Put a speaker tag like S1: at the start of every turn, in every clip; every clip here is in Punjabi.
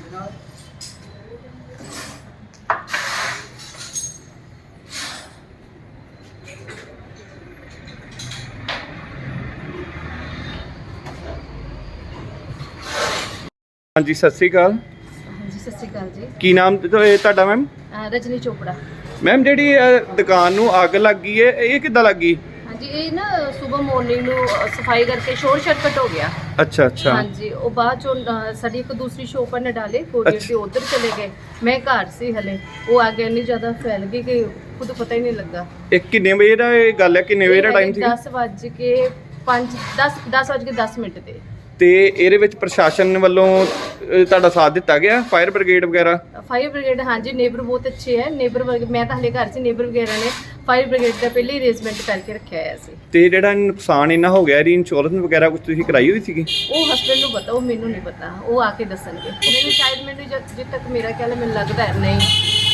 S1: हाँ जी सत श्री अकाल।
S2: हाँ जी सत श्री अकाल जी।
S1: की नाम तुहाडा मैम?
S2: रजनी चोपड़ा।
S1: मैम जी दुकान नूं अग लग गई है, ये किद्दां लग गई?
S2: हाँ जी, ये ना सुबह मॉर्निंग सफाई करके शोर शरकट हो गया।
S1: अच्छा अच्छा।
S2: हाँ जी, वो बाद चो साडी एक दूसरी शॉप ने डाले कोरियर से उधर चले गए। मैं घर से हले वो आगे इन्नी ज़्यादा फैल गई कि खुद पता ही नहीं लगा।
S1: एक किन्ने बजे दा गल है, किन्ने बजे दा टाइम सी?
S2: 10:10 ते
S1: ਤੇ ਇਹਦੇ ਵਿੱਚ ਪ੍ਰਸ਼ਾਸਨ ਵੱਲੋਂ ਤੁਹਾਡਾ ਸਾਥ ਦਿੱਤਾ ਗਿਆ, ਫਾਇਰ ਬ੍ਰਿਗੇਡ ਵਗੈਰਾ?
S2: फायर ब्रिगेड हाँ जी, नेबर बहुत अच्छे है। नेबर मैं तो हले घर से नेबर वगैरह ने फायर ब्रिगेड का पहले ही अरेंजमेंट करके रखा है सी।
S1: ਤੇ ਜਿਹੜਾ ਨੁਕਸਾਨ ਇੰਨਾ ਹੋ ਗਿਆ, ਇਹਦੀ ਇੰਸ਼ੋਰੈਂਸ ਵਗੈਰਾ ਕੁਝ ਤੁਸੀਂ ਕਰਾਈ ਹੋਈ ਸੀਗੀ?
S2: वो हस्बैंड को पता, वो मैनू नहीं पता, वो आके दसणगे। मैंने शायद मैंने जिद तक मेरा ख्याल है, मैंने लगता है नहीं।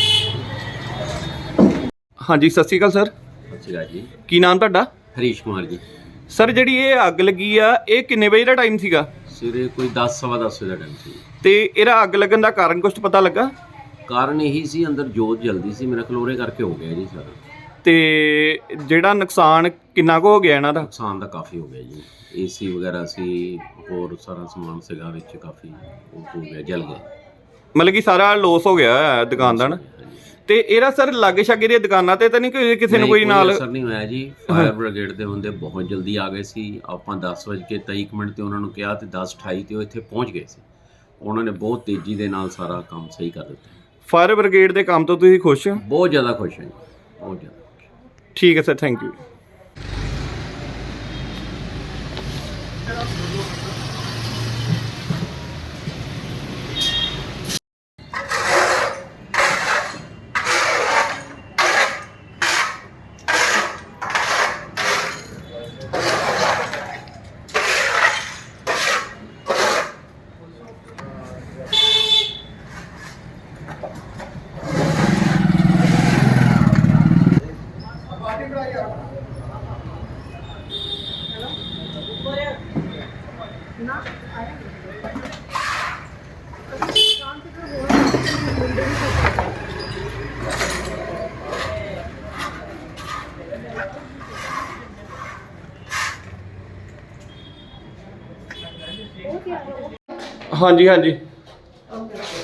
S1: ਹਾਂਜੀ ਸਤਿ ਸ਼੍ਰੀ ਅਕਾਲ ਸਰ।
S3: ਸਤਿ ਸ਼੍ਰੀ ਅਕਾਲ ਜੀ।
S1: ਕੀ ਨਾਮ ਤੁਹਾਡਾ?
S3: ਹਰੀਸ਼ ਕੁਮਾਰ ਜੀ।
S1: ਸਰ ਜਿਹੜੀ ਇਹ ਅੱਗ ਲੱਗੀ ਆ, ਇਹ ਕਿੰਨੇ ਵਜੇ ਦਾ ਟਾਈਮ ਸੀਗਾ?
S3: ਸਵੇਰੇ ਕੋਈ 10 ਸਵਾ 10 ਵਜੇ ਦਾ ਟਾਈਮ ਸੀ।
S1: ਤੇ ਇਹਦਾ ਅੱਗ ਲੱਗਣ ਦਾ ਕਾਰਨ ਕੁਝ ਪਤਾ ਲੱਗਾ?
S3: ਕਾਰਨ ਇਹੀ ਸੀ, ਅੰਦਰ ਜੋਤ ਜਲਦੀ ਸੀ, ਮੇਰਾ ਖਲੋਰੇ ਕਰਕੇ ਹੋ ਗਿਆ ਜੀ ਸਾਰਾ।
S1: ਤੇ ਜਿਹੜਾ ਨੁਕਸਾਨ ਕਿੰਨਾ ਕੁ ਹੋ ਗਿਆ ਇਹਨਾਂ ਦਾ?
S3: ਨੁਕਸਾਨ ਤਾਂ ਕਾਫੀ ਹੋ ਗਿਆ ਜੀ। ਏਸੀ ਵਗੈਰਾ ਸੀ, ਹੋਰ ਸਾਰਾ ਸਮਾਨ ਸੀਗਾ ਵਿੱਚ, ਕਾਫੀ ਉਹ ਹੋ ਗਿਆ, ਜਲ ਗਿਆ।
S1: ਮਤਲਬ ਕਿ ਸਾਰਾ ਲੋਸ ਹੋ ਗਿਆ ਹੈ ਦੁਕਾਨ ਦਾ ਨਾ। ਤੇ ਇਹਦਾ ਸਰ ਲਾਗੇ ਛਾਗੇ ਦੀਆਂ ਦੁਕਾਨਾਂ ਤੇ ਤਾਂ ਨਹੀਂ ਕਿਸੇ ਨੂੰ ਕੋਈ ਨਾਲ
S3: ਅਸਰ ਨਹੀਂ ਹੋਇਆ ਜੀ। ਫਾਇਰ ਬ੍ਰਿਗੇਡ ਦੇ ਹੁੰਦੇ ਬਹੁਤ ਜਲਦੀ ਆ ਗਏ ਸੀ। ਆਪਾਂ 10:23 ਤੇ ਉਹਨਾਂ ਨੂੰ ਕਿਹਾ ਤੇ 10:28 ਤੇ ਉਹ ਇੱਥੇ ਪਹੁੰਚ ਗਏ ਸੀ। ਉਹਨਾਂ ਨੇ ਬਹੁਤ ਤੇਜ਼ੀ ਦੇ ਨਾਲ ਸਾਰਾ ਕੰਮ ਸਹੀ ਕਰ ਦਿੱਤਾ।
S1: ਫਾਇਰ ਬ੍ਰਿਗੇਡ ਦੇ ਕੰਮ ਤੋਂ ਤੁਸੀਂ ਖੁਸ਼ ਹੋ?
S3: ਬਹੁਤ ਜ਼ਿਆਦਾ ਖੁਸ਼ ਹਾਂ ਜੀ, ਬਹੁਤ ਜ਼ਿਆਦਾ।
S1: ਠੀਕ ਹੈ ਸਰ, ਥੈਂਕ ਯੂ। हाँ जी हाँ जी।